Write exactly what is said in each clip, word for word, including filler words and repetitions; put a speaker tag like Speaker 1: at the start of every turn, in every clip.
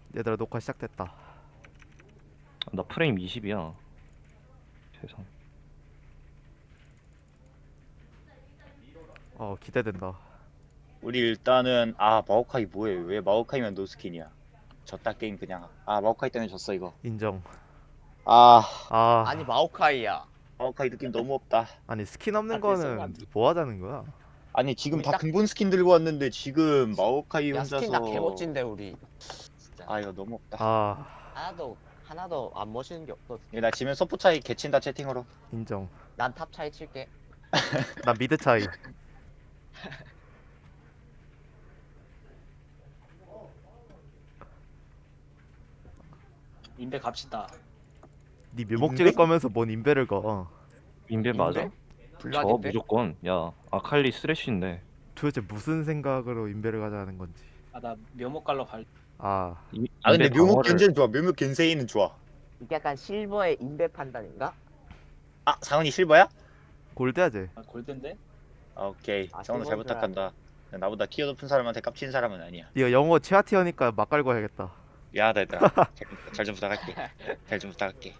Speaker 1: 얘들아 녹화 시작됐다.
Speaker 2: 나 프레임 이십이야. 세상.
Speaker 1: 어 기대된다.
Speaker 3: 우리 일단은 아 마오카이 뭐해? 왜 마오카이면 노스킨이야? 졌다 게임 그냥. 아 마오카이 때문에 졌어 이거.
Speaker 1: 인정.
Speaker 3: 아
Speaker 1: 아
Speaker 4: 아니 마오카이야.
Speaker 3: 마오카이 느낌 너무 없다.
Speaker 1: 아니 스킨 없는
Speaker 4: 아, 그래서
Speaker 1: 거는
Speaker 4: 안
Speaker 1: 뭐 하자는 거야?
Speaker 3: 아니 지금
Speaker 4: 우리
Speaker 3: 다
Speaker 4: 딱-
Speaker 3: 근본 스킨 들고 왔는데 지금 마오카이
Speaker 4: 야 스킨 다
Speaker 3: 혼자서
Speaker 4: 개멋진데 우리. 진짜.
Speaker 3: 아 이거 너무 없다.
Speaker 1: 아
Speaker 4: 하나도 하나도 안 멋있는 게 없어.
Speaker 3: 얘 나 지면 서포 차이 개친다 채팅으로.
Speaker 1: 인정.
Speaker 4: 난 탑 차이 칠게.
Speaker 1: 나 미드 차이.
Speaker 5: 인베 갑시다.
Speaker 1: 네 묘목 찍을 거면서 뭔 인베를 거?
Speaker 2: 인베 맞아?
Speaker 4: 인베?
Speaker 2: 저
Speaker 4: 블라디인데?
Speaker 2: 무조건. 야 아칼리 쓰레쉬인데.
Speaker 1: 도대체 무슨 생각으로 인베를 가자는 건지.
Speaker 5: 아 나 묘목 갈러 갈.
Speaker 1: 아
Speaker 2: 이-
Speaker 3: 아 근데
Speaker 2: 인베
Speaker 3: 묘목
Speaker 2: 방어를-
Speaker 3: 견제는 좋아. 묘목 견세이는 좋아.
Speaker 4: 이게 약간 실버의 인베 판단인가?
Speaker 3: 아 상훈이 실버야?
Speaker 1: 골드야지.
Speaker 5: 아, 골든데?
Speaker 3: 아, 오케이.
Speaker 4: 아,
Speaker 3: 상훈아 잘
Speaker 4: 실버인 줄
Speaker 3: 부탁한다. 나보다 티어 높은 사람한테 깝치는 사람은 아니야.
Speaker 1: 네가 영어 최하 티어니까 막 깔고 해야겠다.
Speaker 3: 미안하다 얘들아. 잘 좀 부탁할게. 잘 좀 부탁할게.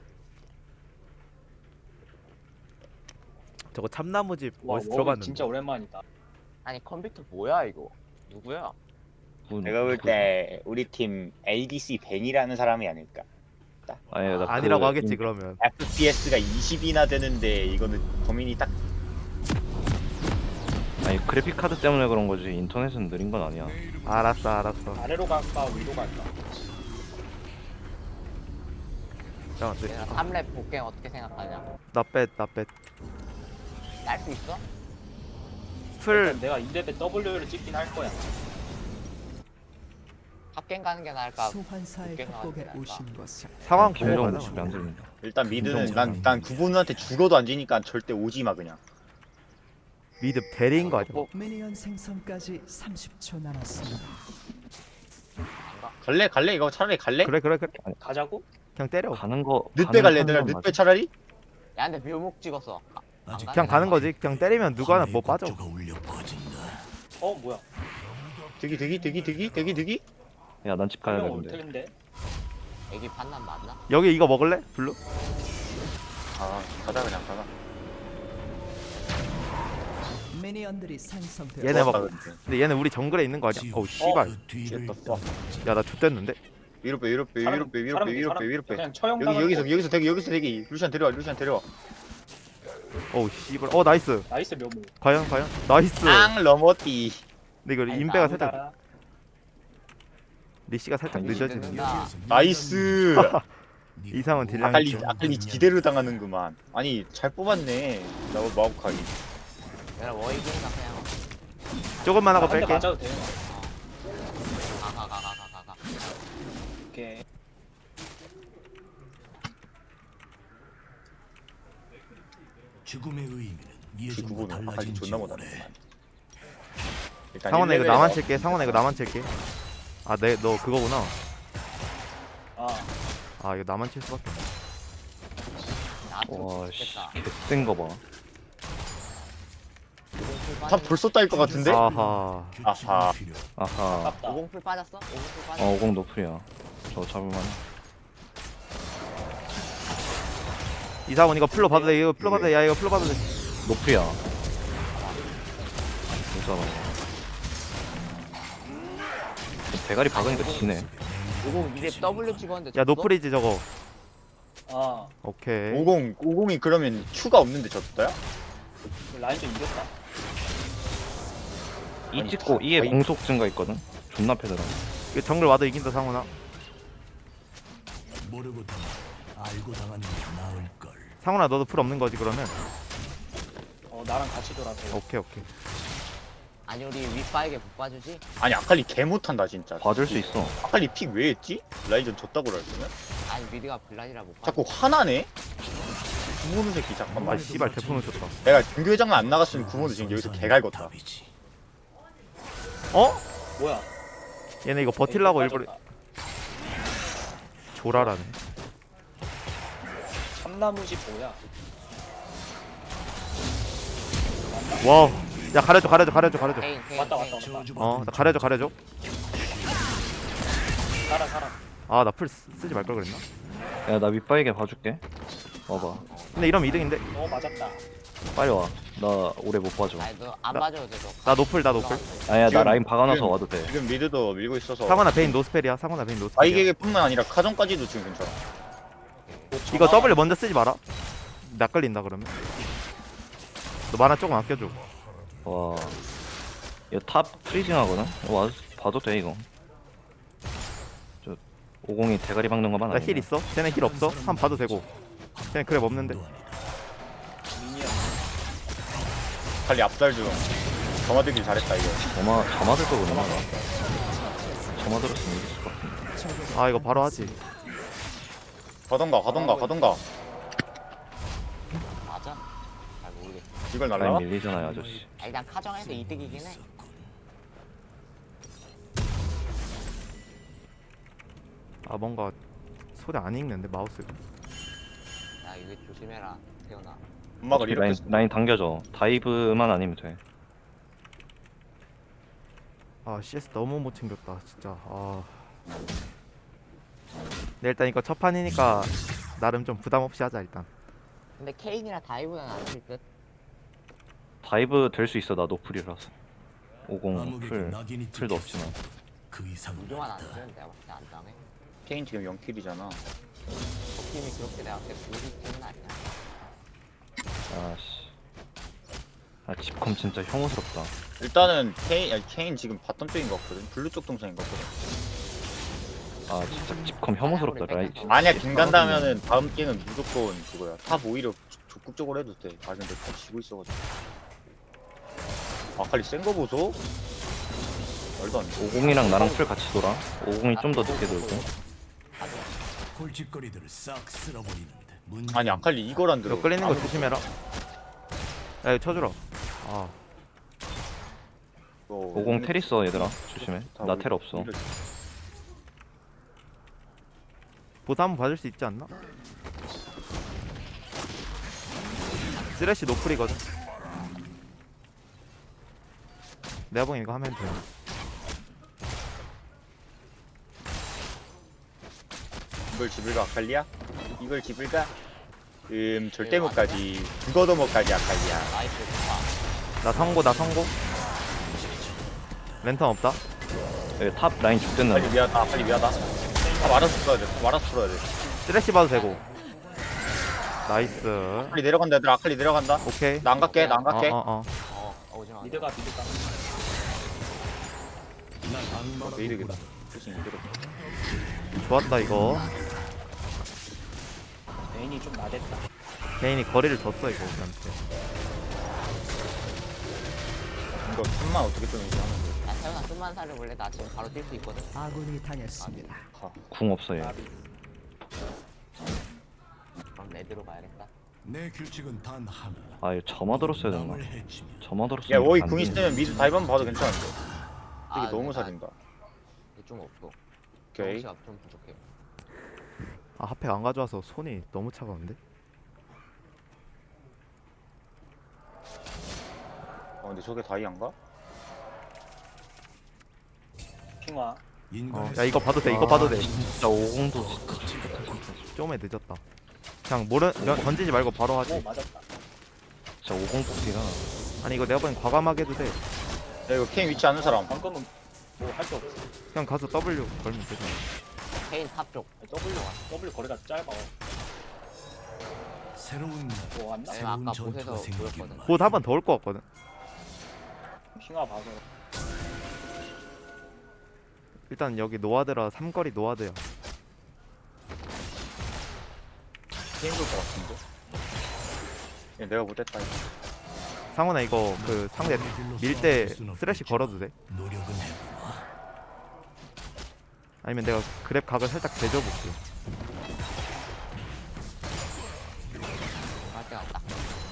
Speaker 1: 저거 참나무집
Speaker 5: 와
Speaker 1: 어디서
Speaker 5: 워우
Speaker 1: 들어봤는데.
Speaker 5: 진짜 오랜만이다.
Speaker 4: 아니 컴퓨터 뭐야 이거? 누구야?
Speaker 2: 뭐-
Speaker 3: 내가 볼 때 우리 팀 에이디씨 벤이라는 사람이 아닐까.
Speaker 2: 아니 나
Speaker 1: 아니라고
Speaker 2: 그
Speaker 1: 하겠지
Speaker 2: 인-
Speaker 1: 그러면.
Speaker 3: 에프피에스가 이십이나 되는데 이거는 범인이 딱
Speaker 2: 아니 그래픽 카드 때문에 그런 거지. 인터넷은 느린 건 아니야.
Speaker 1: 알았어 알았어.
Speaker 5: 아래로 갈까 위로 갈까?
Speaker 1: 야, 네.
Speaker 4: 내가 삼 렙 복갱 어떻게 생각하냐?
Speaker 1: 나빼나 빼.
Speaker 4: 딸 수 있어?
Speaker 1: 풀
Speaker 5: 일단 내가 인베 W를 찍긴 할 거야.
Speaker 4: 탑갱 가는 게 나을까?
Speaker 6: 소환사의
Speaker 4: 복갱 가는 게
Speaker 6: 협곡에
Speaker 4: 나을까?
Speaker 6: 오신 것을
Speaker 1: 상황 보고
Speaker 2: 김정
Speaker 1: 가자.
Speaker 2: 목소리 안 들린다.
Speaker 3: 일단 미드는
Speaker 2: 인정,
Speaker 3: 난
Speaker 2: 인정.
Speaker 3: 난 구본우한테 죽어도 안 지니까 절대 오지 마 그냥.
Speaker 1: 미드 대리인 거 아니야?
Speaker 4: 뭐,
Speaker 6: 미니언 생성까지 삼십 초 남았습니다.
Speaker 3: 갈래 갈래 이거 차라리 갈래?
Speaker 1: 그래 그래 그래.
Speaker 5: 가자고?
Speaker 1: 그냥 때려.
Speaker 2: 가는 거.
Speaker 3: 늦배
Speaker 2: 가는
Speaker 3: 갈래 얘들아
Speaker 2: 건
Speaker 3: 늦배
Speaker 2: 맞아.
Speaker 3: 차라리?
Speaker 4: 야 근데 묘목 찍었어. 아, 안
Speaker 6: 아직
Speaker 1: 그냥 가는 거지. 그냥 때리면 누구 하나 뭐 빠져.
Speaker 5: 어 뭐야?
Speaker 3: 대기 대기 대기 대기 대기 대기.
Speaker 2: 야난 집 가야
Speaker 5: 한명 올
Speaker 2: 되는데.
Speaker 5: 텐데.
Speaker 4: 애기 판단 맞나?
Speaker 1: 여기 이거 먹을래? 블루?
Speaker 3: 아 가자 그냥 가자.
Speaker 6: 미니언들이 생성되어
Speaker 1: 얘네 막-
Speaker 3: 좋았다, 근데.
Speaker 1: 근데 얘는 우리 정글에 있는 거 아니야? 어우 씨발.
Speaker 3: 뒤에 떴어.
Speaker 1: 야나 좆됐는데?
Speaker 3: 위로 빼 위로 빼 위로 빼 위로 빼 위로 빼 위로 빼.
Speaker 5: 그냥 처형
Speaker 3: 여기 여기서 여기서 대기 여기서 대기. 루시안 데려와 루시안 데려와.
Speaker 1: 어우 씨발. 어 나이스.
Speaker 5: 나이스 묘목.
Speaker 1: 과연 과연? 나이스.
Speaker 3: 앙 넘어띠.
Speaker 1: 근데 이거
Speaker 4: 아니,
Speaker 1: 인베가
Speaker 4: 나보다-
Speaker 1: 살짝 리시가 살짝
Speaker 2: 아니,
Speaker 1: 늦어지는.
Speaker 4: 늦는다.
Speaker 3: 나이스.
Speaker 1: 이상은 딜량이
Speaker 3: 아칼리
Speaker 1: 좀-
Speaker 3: 아칼리 기대를 당하는구만. 아니 잘 뽑았네. 나 마오카이.
Speaker 4: 내가 워이기니까 그냥
Speaker 1: 조금만 하고
Speaker 5: 한대
Speaker 1: 뺄게.
Speaker 5: 맞아도 돼.
Speaker 4: 가가가가가가.
Speaker 5: 오케이.
Speaker 7: 죽음의 의미는
Speaker 3: 그
Speaker 7: 예전과
Speaker 3: 구본우 아칼리
Speaker 7: 달라진 지
Speaker 3: 존나
Speaker 7: 오래.
Speaker 3: 못하는구만. 일단
Speaker 1: 상원아 이거
Speaker 3: 일 레벨에
Speaker 1: 나만
Speaker 3: 넣어.
Speaker 1: 칠게. 상원아 이거 나만 칠게. 아, 내 너 그거구나.
Speaker 5: 아
Speaker 1: 아, 이거 나만 칠 수밖에. 없네.
Speaker 4: 나도
Speaker 2: 와씨
Speaker 4: 좋겠다.
Speaker 2: 개센 거 봐.
Speaker 4: 오공풀
Speaker 3: 다
Speaker 4: 빠졌어?
Speaker 3: 벌써 따일 것 같은데?
Speaker 1: 아하.
Speaker 3: 아하.
Speaker 7: 필요.
Speaker 2: 아하.
Speaker 5: 아깝다.
Speaker 4: 오공풀 빠졌어? 오공풀 빠졌어?
Speaker 2: 어 오공 노플이야. 저 잡을만.
Speaker 1: 이사원 이거 풀로 받아도 돼. 이거 풀로 받아도 돼. 야, 이거 풀로 받아도 돼.
Speaker 2: 노플이야. 못 잡아. 대가리 박으니까 지네.
Speaker 4: 오공 이제 W 찍었는데
Speaker 1: 야,
Speaker 4: 졌어?
Speaker 1: 노플이지 저거.
Speaker 5: 아
Speaker 1: 오케이.
Speaker 3: 오공 오공이 그러면 큐가 없는데 졌어요?
Speaker 5: 라인 좀 이겼다.
Speaker 2: 이
Speaker 3: 아니,
Speaker 2: 찍고
Speaker 3: 다-
Speaker 2: 이에
Speaker 3: 아니.
Speaker 2: 공속 증가 있거든. 존나 패더라.
Speaker 1: 이거 정글 와도 이긴다, 상원아.
Speaker 7: 모르고 당한 알고 당하는 게 나을 걸.
Speaker 1: 상원아 너도 풀 없는 거지 그러면?
Speaker 5: 어 나랑 같이 돌아서.
Speaker 1: 오케이, 오케이.
Speaker 4: 아니 우리 윗바에게 못 봐주지?
Speaker 3: 아니 아칼리 개 못한다 진짜.
Speaker 2: 봐줄 수 있어.
Speaker 3: 아칼리 픽 왜 했지? 라이전 졌다고 그랬으면?
Speaker 4: 아니 미드가 블라디라 못 봐.
Speaker 3: 자꾸 화나네? 구모는 새끼 잠깐만.
Speaker 1: 아, 씨발 대포는 쳤다.
Speaker 3: 내가 중교회장만 안 나갔으면 구모는 지금 여기서 개갈궜다.
Speaker 7: 답이지.
Speaker 1: 어?
Speaker 5: 뭐야?
Speaker 1: 얘네 이거 버틸라고 일부러
Speaker 5: 빠졌다.
Speaker 1: 조라라네.
Speaker 5: 참나무집 뭐야?
Speaker 1: 와. 야, 가려줘, 가려줘, 가려줘, 가려줘.
Speaker 4: 케인 케인
Speaker 5: 왔다
Speaker 4: 케인.
Speaker 5: 왔다 왔다.
Speaker 1: 어, 나 가려줘, 가려줘.
Speaker 5: 살아 살아.
Speaker 1: 아 나 풀 쓰지 말 걸 그랬나?
Speaker 2: 야 나 윗바에게 봐줄게. 와봐.
Speaker 1: 근데 이러면 이등인데.
Speaker 5: 어 맞았다.
Speaker 2: 빨리 와. 나 오래 못 봐줘.
Speaker 4: 아니 너안
Speaker 1: 나-
Speaker 4: 맞아도 돼 너.
Speaker 1: 나 노플 나 노플.
Speaker 2: 아야 나
Speaker 3: 지금-
Speaker 2: 라인 박아놔서
Speaker 3: 지금-
Speaker 2: 와도 돼.
Speaker 3: 지금 미드도 밀고 있어서
Speaker 1: 상원아 베인 노스펠이야. 상원아 베인 노스펠이야.
Speaker 3: 바이게게뿐만 아니라 카정까지도 지금 괜찮아.
Speaker 1: 이거 W 먼저 쓰지 마라. 나 걸린다 그러면. 너 만화 조금 아껴줘.
Speaker 2: 와. 얘탑 프리징 하거든? 와 봐도 돼 이거. 저 오공이 대가리 박는 것만
Speaker 1: 나
Speaker 2: 아니야.
Speaker 1: 힐 있어? 쟤네 힐 없어? 한 번 봐도 되고. 쟤네 그랩 없는데.
Speaker 5: 미니언.
Speaker 3: 빨리 앞살 좀. 점화들길 잘했다 이거.
Speaker 2: 저마 저마 들거 그러나? 저마 들었으면 이겼을 것 같은데.
Speaker 1: 아 이거 바로 하지.
Speaker 3: 가던가 가던가 가던가.
Speaker 4: 맞아? 잘 모르겠어.
Speaker 3: 이걸
Speaker 2: 라인
Speaker 3: 날라가?
Speaker 2: 밀리잖아요 아저씨.
Speaker 4: 아, 일단 카정에서 이득이긴 해.
Speaker 1: 아 뭔가 소리 안 읽는데 마우스.
Speaker 4: 야 이거 조심해라 태훈아.
Speaker 3: 음악을
Speaker 2: 어차피
Speaker 3: 이렇게
Speaker 2: 라인
Speaker 3: 쓰-
Speaker 2: 라인 당겨줘. 다이브만 아니면 돼.
Speaker 1: 아 씨에스 너무 못 챙겼다 진짜. 아. 네 일단 이거 첫 판이니까 나름 좀 부담 없이 하자 일단.
Speaker 4: 근데 케인이랑 다이브는 안칠 듯.
Speaker 2: 다이브 될 수 있어 나 노플이라서. 오공
Speaker 7: 암흑에게
Speaker 2: 풀
Speaker 7: 낙인이
Speaker 2: 풀도
Speaker 7: 찍혔어.
Speaker 2: 없지만.
Speaker 7: 그 이상은
Speaker 4: 무조건 안
Speaker 7: 없다.
Speaker 4: 쓰는 내가 봤을 때안 당해.
Speaker 3: 케인 지금 영 킬이잖아.
Speaker 4: 저 팀이 그렇게 내가 봤을 때 우리 팀은 아니야.
Speaker 2: 아씨. 아 집컴 진짜 혐오스럽다.
Speaker 3: 일단은 케인 아니, 케인 지금 바텀 쪽인 것 같거든. 블루 쪽 동선인 것 같거든.
Speaker 2: 아 진짜 집컴 혐오스럽다. 라인. 진짜
Speaker 3: 만약
Speaker 2: 개
Speaker 3: 긴
Speaker 2: 싸우네.
Speaker 3: 간다면은 다음 게임은 무조건 그거야. 탑 오히려 적극적으로 해도 돼. 아 근데 탑 지고 있어가지고. 아칼리 센 거 보소? 말도 안 돼.
Speaker 2: 오공이랑 나랑 풀 같이 돌아. 오공이 좀 더 늦게 돌고.
Speaker 7: 골칫거리들을 싹 쓸어버리는데 문제.
Speaker 3: 아니 아칼리 이걸 안 들어.
Speaker 1: 이거 끌리는 거 조심해라. 야 이거 쳐주라. 아
Speaker 2: 오공 텔 있어 얘들아. 조심해. 나 텔 없어.
Speaker 1: 보사 한번 봐줄 수 있지 않나? 쓰레쉬 노플이거든. 내가 보기엔 이거 하면 돼.
Speaker 3: 이걸 집을 가 아칼리야? 이걸 집을 가? 음 절대 못 가지. 죽어도 못 가지 아칼리야.
Speaker 4: 나이스 좋아.
Speaker 1: 나 성고 나 성고. 랜턴 없다.
Speaker 2: 여기 탑 라인
Speaker 3: 아칼리
Speaker 2: 죽겠는데.
Speaker 3: 미안하다. 아칼리 미안하다. 탑 알아서 풀어야 돼. 탑 알아서 풀어야 돼.
Speaker 1: 쓰레쉬 봐도 되고. 나이스.
Speaker 3: 아칼리 내려간다 얘들아. 아칼리 내려간다.
Speaker 1: 오케이.
Speaker 3: 나 안 갈게. 나 안 갈게.
Speaker 1: 어어 어.
Speaker 4: 어 어, 오지마.
Speaker 5: 미드가 미드가.
Speaker 7: 난 악마라고
Speaker 3: 메이드겠다.
Speaker 7: 부른다.
Speaker 3: 조심 이대로.
Speaker 1: 좋았다 이거.
Speaker 5: 메인이 좀 나댔다.
Speaker 1: 개인이 거리를 줬어 이거 우리한테.
Speaker 3: 이거 탑만 어떻게 좀 이제 하면 돼.
Speaker 4: 야 태훈아 좀만 살려볼래? 나 지금 바로 뛸 수 있거든.
Speaker 6: 아군이 당했습니다.
Speaker 3: 가.
Speaker 2: 궁 없어 얘.
Speaker 5: 나비.
Speaker 4: 그럼 레드로 가야겠다.
Speaker 7: 내 규칙은 단 하나.
Speaker 2: 아 이거 저마 들었어야 되나?
Speaker 7: 남을 해치면
Speaker 2: 저마 들었으면.
Speaker 3: 야 워이
Speaker 2: 안
Speaker 3: 궁
Speaker 2: 되는데.
Speaker 3: 있으면 미드 다이브 한번 봐도 괜찮은데.
Speaker 4: 아,
Speaker 3: 되게 너무
Speaker 4: 근데 나
Speaker 3: 살인다.
Speaker 4: 이게 좀 없어.
Speaker 3: 오케이.
Speaker 4: 시가 좀 부족해.
Speaker 1: 아 핫팩 안 가져와서 손이 너무 차가운데?
Speaker 3: 어 근데 저게 다이안가?
Speaker 5: 핑화.
Speaker 7: 인간의
Speaker 1: 야 이거 봐도 돼 이거 봐도 돼.
Speaker 2: 아, 진짜 오공도
Speaker 1: 좀에 늦었다. 그냥 모르 면- 던지지 말고 바로
Speaker 5: 오
Speaker 1: 하지.
Speaker 5: 맞았다.
Speaker 2: 진짜 오공 뽑기가.
Speaker 1: 아니 이거 내가 보기엔 과감하게 해도 돼.
Speaker 3: 야 이거 케인 위치 아는 사람.
Speaker 5: 방금은 뭐 할 수 없어.
Speaker 1: 그냥 가서 W 걸면 되잖아.
Speaker 4: 케인 탑 쪽.
Speaker 5: W W 거리가 짧아.
Speaker 7: 새로운 날,
Speaker 5: 뭐 왔나?
Speaker 4: 내가
Speaker 7: 새로운
Speaker 4: 아까
Speaker 7: 전투가
Speaker 4: 보세서
Speaker 7: 생기길
Speaker 4: 보였거든.
Speaker 7: 바라.
Speaker 1: 곧 한 번 더 올 것 같거든.
Speaker 5: 핑화 봐서.
Speaker 1: 일단 여기 노아드라 삼거리 노아드야.
Speaker 3: 케인 볼것 같은데. 야 내가 못했다. 이거.
Speaker 1: 상훈아 이거 그 상대 밀 때 쓰레쉬 걸어도 돼?
Speaker 7: 노력은 해보나.
Speaker 1: 아니면 내가 그랩 각을 살짝 대줘볼게.
Speaker 4: 할 때가 딱.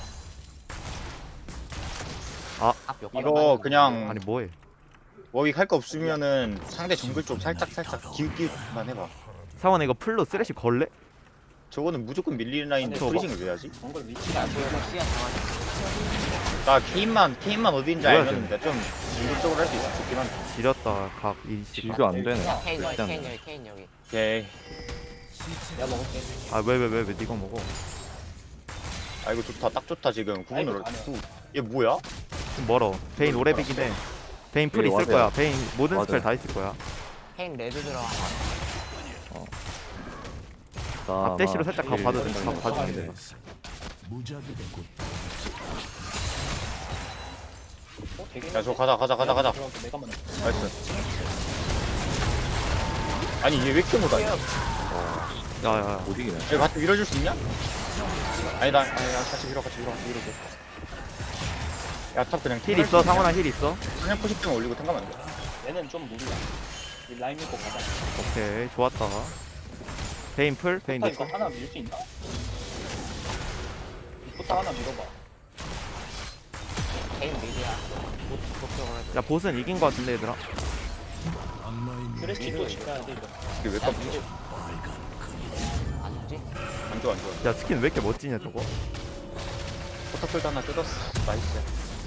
Speaker 1: 아.
Speaker 4: 탑몇
Speaker 3: 이거 그냥
Speaker 1: 아니 뭐해?
Speaker 3: 워윅 할 거 없으면은 상대 정글 좀 살짝 살짝 기웃기웃만 해봐.
Speaker 1: 상훈아 이거 풀로 쓰레쉬 걸래?
Speaker 3: 저거는 무조건 밀리는 라인인데
Speaker 5: 저거.
Speaker 3: 프리징을 왜 하지?
Speaker 5: 정글 위치가 안 보여서
Speaker 4: 시야 정하자.
Speaker 3: 나 케인만 케인만 어디인지
Speaker 1: 뭐야,
Speaker 3: 알면 내가 좀 중립적으로 할 수 있어 좋긴 한데.
Speaker 1: 지렸다 각 일시.
Speaker 2: 질교 안 되네.
Speaker 4: 케인 여기
Speaker 2: 일단
Speaker 4: 케인 여기 케인 여기
Speaker 3: 오케이.
Speaker 5: 내가 먹을게.
Speaker 1: 아왜 왜 왜 왜 네가 먹어?
Speaker 3: 아 이거 좋다 딱 좋다 지금 구분으로.
Speaker 5: 아이고,
Speaker 3: 구- 얘 뭐야?
Speaker 1: 좀 멀어. 베인 오래비긴 해. 베인 풀
Speaker 2: 여기
Speaker 1: 있을
Speaker 2: 와드야.
Speaker 1: 거야. 베인 모든
Speaker 2: 와드.
Speaker 1: 스펠 다 있을 거야.
Speaker 4: 케인 레드 들어간 거
Speaker 2: 나
Speaker 1: 앞대시로
Speaker 2: 아마
Speaker 1: 살짝 가
Speaker 2: 질-
Speaker 1: 봐도 된다. 가 봐주면 돼.
Speaker 7: 무자비의 꽃.
Speaker 5: 어, 되게
Speaker 3: 야 저 가자 가자 가자 가자.
Speaker 5: 들어가서 내가 먼저.
Speaker 3: 나이스. 아니 얘 왜 이렇게 못하냐?
Speaker 1: 야야야.
Speaker 2: 못 이기네.
Speaker 3: 얘 같이 밀어줄 수 있냐? 아니 나 아니 나 같이 밀어 같이 밀어 같이 밀어줘. 야탑 그냥
Speaker 1: 힐 있어. 상원아 힐 있어.
Speaker 3: 그냥 포십 등 올리고 탱가면 안 돼.
Speaker 5: 얘는 좀 무리야. 이 라인 밀고 가자.
Speaker 1: 오케이 좋았다. 베인 풀. 베인
Speaker 5: 포타
Speaker 1: 내
Speaker 5: 이거
Speaker 1: 거.
Speaker 5: 하나 밀 수 있나? 이 포타 하나 밀어봐.
Speaker 4: 케인 미디야 목적으로
Speaker 1: 야 보스는 이긴 거 같은데 얘들아.
Speaker 7: 악마의
Speaker 5: 쓰레쉬 또 지켜야 돼 이거.
Speaker 3: 이게 왜 깜짝
Speaker 4: 안 오지?
Speaker 3: 안 좋아 안 좋아.
Speaker 1: 야 스킨 왜 이렇게 멋지냐 저거.
Speaker 3: 포탑풀도 하나 뜯었어. 나이스.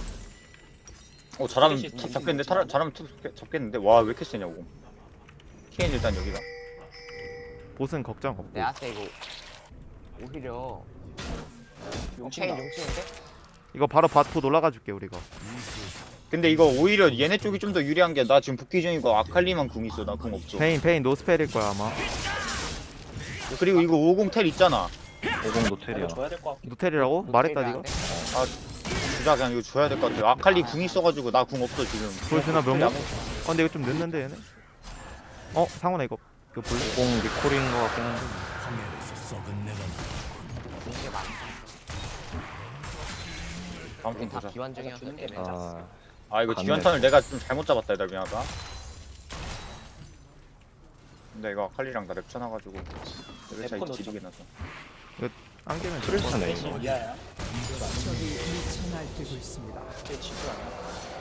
Speaker 3: 어 잘하면
Speaker 5: 쓰레쉬
Speaker 3: 탑 잡겠는데 타라, 잘하면 탑 잡겠- 잡겠는데 와 왜 이렇게 세냐고. 케인 일단 여기다.
Speaker 1: 보스는 걱정 없고.
Speaker 4: 내가 때 이거 오히려
Speaker 5: 용친다.
Speaker 4: 케인 용치는데?
Speaker 1: 이거 바로 밭포 올라가 줄게 우리가.
Speaker 3: 근데 이거 오히려 얘네 쪽이 좀 더 유리한 게 나 지금 복귀 중이고 아칼리만 궁 있어. 나 궁 없어.
Speaker 1: 베인 베인 노스펠일 거야 아마.
Speaker 3: 그리고 이거 오공 텔 있잖아.
Speaker 2: 오공도
Speaker 5: 이거
Speaker 2: 텔이야.
Speaker 5: 줘야 될 것 같긴.
Speaker 1: 노텔이라고? 말했다 니가.
Speaker 3: 주자 그냥 이거 줘야 될 것 같아. 아칼리 궁 있어가지고 나 궁 없어 지금.
Speaker 1: 보여주나 명목?
Speaker 3: 아무-
Speaker 1: 어 근데 이거 좀 늦는데 얘네. 어 상원아 이거 이거 볼래?
Speaker 2: 오공 리콜인 거 같긴 한데.
Speaker 7: 황야에서 썩은 내가
Speaker 4: 이게 많다
Speaker 3: 다음 턴
Speaker 4: 우린 다
Speaker 3: 보자.
Speaker 4: 비완중이어서
Speaker 5: 주는 게
Speaker 4: 애매하다
Speaker 2: 아
Speaker 3: 아 이거
Speaker 2: 갔네.
Speaker 3: 지원턴을 내가 좀 잘못 잡았다 얘들 미안하다. 근데 이거 아칼리랑 나 랩쳐놔가지고 레벨 차이
Speaker 5: 랩코
Speaker 3: 지리게 나서.
Speaker 1: 안개는
Speaker 2: 프레스네
Speaker 5: 쓰레쉬
Speaker 2: 이거.
Speaker 5: 이하야.
Speaker 6: 적이 미쳐 날뛰고 있습니다.
Speaker 5: 제 지수 아니야.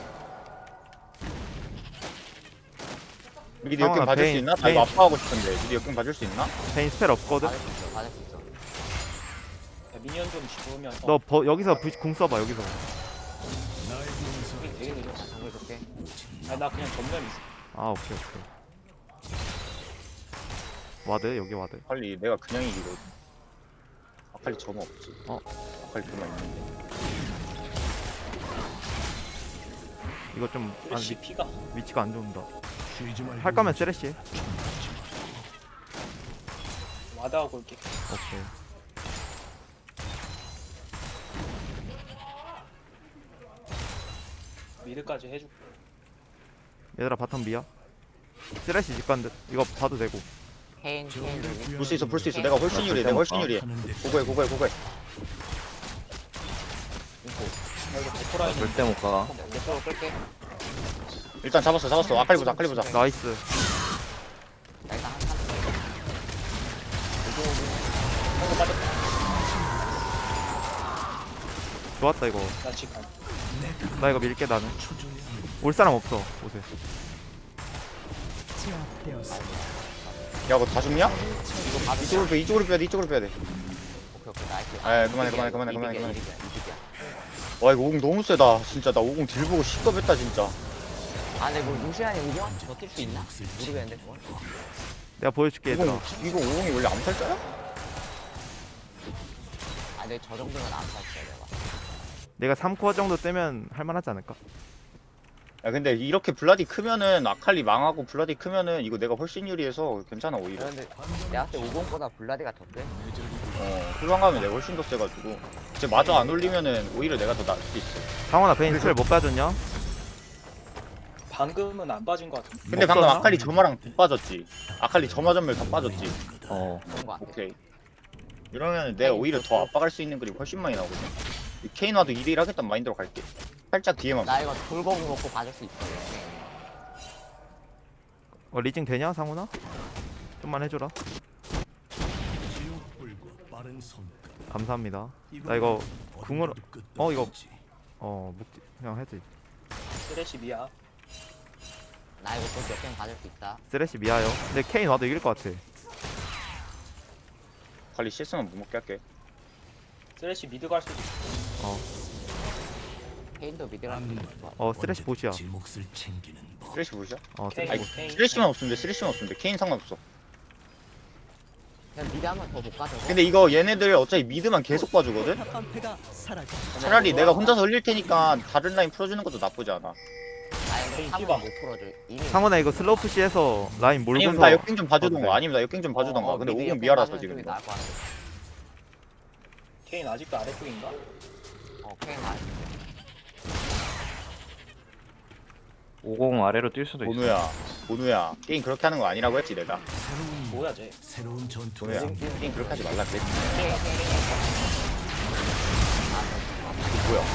Speaker 3: 미리 역경
Speaker 1: 상황아,
Speaker 3: 봐줄 수
Speaker 1: 베인,
Speaker 3: 있나? 나
Speaker 1: 베인.
Speaker 3: 이거 아파하고 싶은데 미리 역경 봐줄 수 있나?
Speaker 1: 베인 스펠 없거든.
Speaker 4: 받을 수 있어 받을 수 있어
Speaker 5: 야, 미니언 좀 집으면서.
Speaker 1: 너 버, 여기서 부, 궁 써봐 여기서.
Speaker 7: 나의 용서
Speaker 5: 우리 되게 느려.
Speaker 4: 정글 좋게
Speaker 5: 아니 나 그냥 전면 있어.
Speaker 1: 아 오케이 오케이. 와드 여기 와드.
Speaker 3: 아칼리 내가 그냥 이기거든. 아칼리 점화 없지.
Speaker 1: 어.
Speaker 3: 아칼리 점화 있는데.
Speaker 1: 이거 좀 안,
Speaker 5: 쓰레쉬 피가.
Speaker 1: 위치가 안 좋은다.
Speaker 7: 쉬지 말고
Speaker 1: 할 거면 쓰레쉬.
Speaker 5: 와다하고 올게.
Speaker 1: 오케이.
Speaker 5: 미드까지 해줄게.
Speaker 1: 얘들아 바텀 미야. 쓰레쉬 직관듯. 이거 봐도 되고.
Speaker 4: 케인 케인 여기
Speaker 3: 볼 수 있어 볼 수 있어. 내가 훨씬 유리해. 내가 훨씬 유리해.
Speaker 7: 하는데
Speaker 3: 고고해 고고해 고고해.
Speaker 5: 나 이거 데코라인.
Speaker 2: 절대 못 가.
Speaker 4: 내 쪽으로 끌게
Speaker 3: 일단 잡았어 잡았어. 아칼리 보자 아칼리 보자.
Speaker 1: 나이스.
Speaker 4: 나 일단 한 칸.
Speaker 5: 한거 빠졌다.
Speaker 1: 좋았다 이거.
Speaker 5: 나 지금.
Speaker 1: 나 이거 밀게 나는. 올 사람 없어 옷에.
Speaker 6: 제압되었습니다.
Speaker 3: 야 이거 다 죽냐?
Speaker 4: 이거 받을 수
Speaker 3: 이쪽으로 빼 이쪽으로 빼야 돼 이쪽으로 빼야 돼.
Speaker 4: 오케이 오케이 나이스
Speaker 3: 아, 그만해, 그만해, 그만해, 그만해,
Speaker 4: 이득이야,
Speaker 3: 그만해.
Speaker 4: 이득이야, 이득이야.
Speaker 3: 와 이거 오공 너무 세다. 진짜 나 오공 딜 보고 시겁했다 진짜.
Speaker 4: 아 근데 뭐 루시안이 오공한테 버틸 수 있나? 모르겠는데 그건
Speaker 1: 내가 보여줄게 얘들아.
Speaker 3: 이거 이거 오공이 원래 암살자야?
Speaker 4: 아 근데 저 정도면 안 탔어요 내가
Speaker 1: 내가 삼 코어 정도 뜨면 할만하지 않을까?
Speaker 3: 야 근데 이렇게 블라디 크면은 아칼리 망하고 블라디 크면은 이거 내가 훨씬 유리해서 괜찮아 오히려.
Speaker 4: 그런데 내가 그때 오공보다 블라디가 더 세?
Speaker 3: 어 후방 가면 내가 훨씬 더 세가지고 이제 마저 안 올리면은 오히려 내가 더 나을 수도 있어.
Speaker 1: 상원아 베인 스펠 못 가졌냐?
Speaker 5: 방금은 안 빠진 것 같은데.
Speaker 3: 근데 방금
Speaker 1: 없었나?
Speaker 3: 아칼리 점화랑 다 빠졌지. 아칼리 점화 전멸 다 빠졌지.
Speaker 2: 어.
Speaker 4: 그런 거 같아
Speaker 3: 오케이. 이러면 내가 오히려 더 압박할 수 있는 그림 훨씬 많이 나오거든. 이 케인와도 일 일 하겠다는 마인드로 갈게. 살짝 뒤에만.
Speaker 4: 나 이거 돌거구 먹고 봐줄 수 있어
Speaker 1: 어 리징 되냐 상훈아? 좀만 해줘라.
Speaker 7: 지옥불과 빠른 손끝.
Speaker 1: 감사합니다. 나 이거 궁으로-
Speaker 7: 어둠의 끝도
Speaker 1: 어, 이거-
Speaker 7: 없지.
Speaker 1: 어 묵지 그냥 해지.
Speaker 5: 쓰레쉬 미야.
Speaker 4: 나 이거 또 역행 받을 수 있다
Speaker 1: 쓰레쉬 미아요. 근데 케인 와도 이길 것 같아.
Speaker 3: 아칼리 실수만 못 먹게 할게.
Speaker 5: 쓰레쉬 미드 갈 수도 있어.
Speaker 1: 어
Speaker 4: 케인도 미드랑
Speaker 7: 악만
Speaker 1: 어 쓰레쉬 보시야.
Speaker 7: 제 몫을 챙기는 법.
Speaker 3: 쓰레쉬 보시죠.
Speaker 1: 어
Speaker 5: 케인,
Speaker 1: 쓰레쉬.
Speaker 5: 케인.
Speaker 3: 쓰레쉬만 없으면 돼. 쓰레쉬만 없으면 돼. 케인 상관없어.
Speaker 4: 그냥 미드 한번 더 볼까 저거?
Speaker 3: 근데 이거 얘네들 어차피 미드만 계속 봐주거든. 차라리 내가 혼자서 흘릴 테니까 다른 라인 풀어주는 것도 나쁘지 않아.
Speaker 4: 아니 근데
Speaker 5: 케인
Speaker 4: 상은
Speaker 5: 휘바.
Speaker 4: 못 풀어줘 이미
Speaker 1: 상원아 이거 슬로우 푸시해서 라인
Speaker 3: 아니면
Speaker 1: 몰고서.
Speaker 3: 나 역행 좀
Speaker 1: 어,
Speaker 3: 봐주던가.
Speaker 1: 그래.
Speaker 3: 아니면 나 역행 좀 봐주던가.
Speaker 4: 어,
Speaker 3: 근데
Speaker 4: 미드
Speaker 3: 오공
Speaker 4: 옆에
Speaker 3: 미아라서
Speaker 4: 가는
Speaker 3: 지금.
Speaker 4: 쪽이
Speaker 3: 이거.
Speaker 4: 나을 것 같아.
Speaker 5: 케인 아직도 아래쪽인가?
Speaker 4: 어 케인 알
Speaker 2: 오공 아래로 뛸 수도 있어.
Speaker 3: 보누야, 보누야. 게임 그렇게 하는 거 아니라고 했지 내가.
Speaker 7: 새로운
Speaker 5: 뭐야 쟤?
Speaker 7: 새로운 전투.
Speaker 3: 보누야, 게임 그렇게 하지 말라 그랬지.
Speaker 4: 케인 케인
Speaker 3: 이게 뭐야?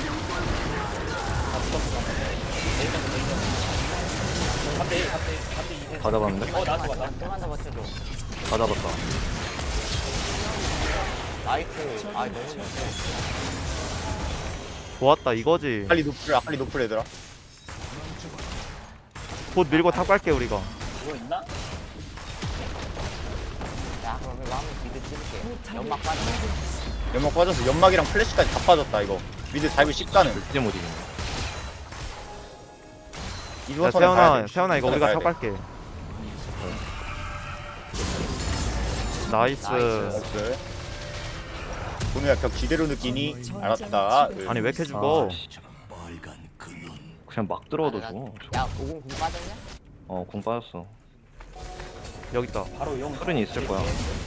Speaker 5: 삼 대 일, 삼 대 일, 삼 대 이.
Speaker 2: 다 잡았는데?
Speaker 5: 어 나도 봐, 나도 봐.
Speaker 4: 좀만 더 버텨줘
Speaker 2: 다 잡았다.
Speaker 4: 나이스 아 너무 좋네
Speaker 1: 좋았다 이거지.
Speaker 3: 아칼리 노플, 아칼리 노플 얘들아.
Speaker 1: 곧 밀고 탑 갈게 우리가.
Speaker 5: 그거 있나?
Speaker 4: 야 그럼 이거 한번 미드 찍을게 연막 빠져
Speaker 3: 연막 빠져서 연막이랑 플래시까지 다 빠졌다 이거. 미드 다이브 십 가는.
Speaker 2: 절대 못 이기네.
Speaker 3: 이번
Speaker 1: 야
Speaker 3: 턴에 가야
Speaker 1: 세훈아
Speaker 3: 돼.
Speaker 1: 세훈아 이거
Speaker 3: 이번
Speaker 1: 우리가
Speaker 3: 턴에
Speaker 1: 탑
Speaker 3: 가야 돼.
Speaker 1: 갈게. 나이스.
Speaker 4: 나이스.
Speaker 3: 나이스. 보누야 벽 지대로 느끼니? 알았다.
Speaker 1: 아니 왜 이렇게 죽어?
Speaker 2: 아, 씨.
Speaker 7: 빨간 그눈.
Speaker 2: 그냥 막 들어도
Speaker 4: 아, 나-
Speaker 2: 죽어.
Speaker 4: 야 오공 공 빠졌냐?
Speaker 2: 어, 공 빠졌어.
Speaker 1: 여기 있다.
Speaker 5: 바로 용.
Speaker 2: 털은 있을 거야.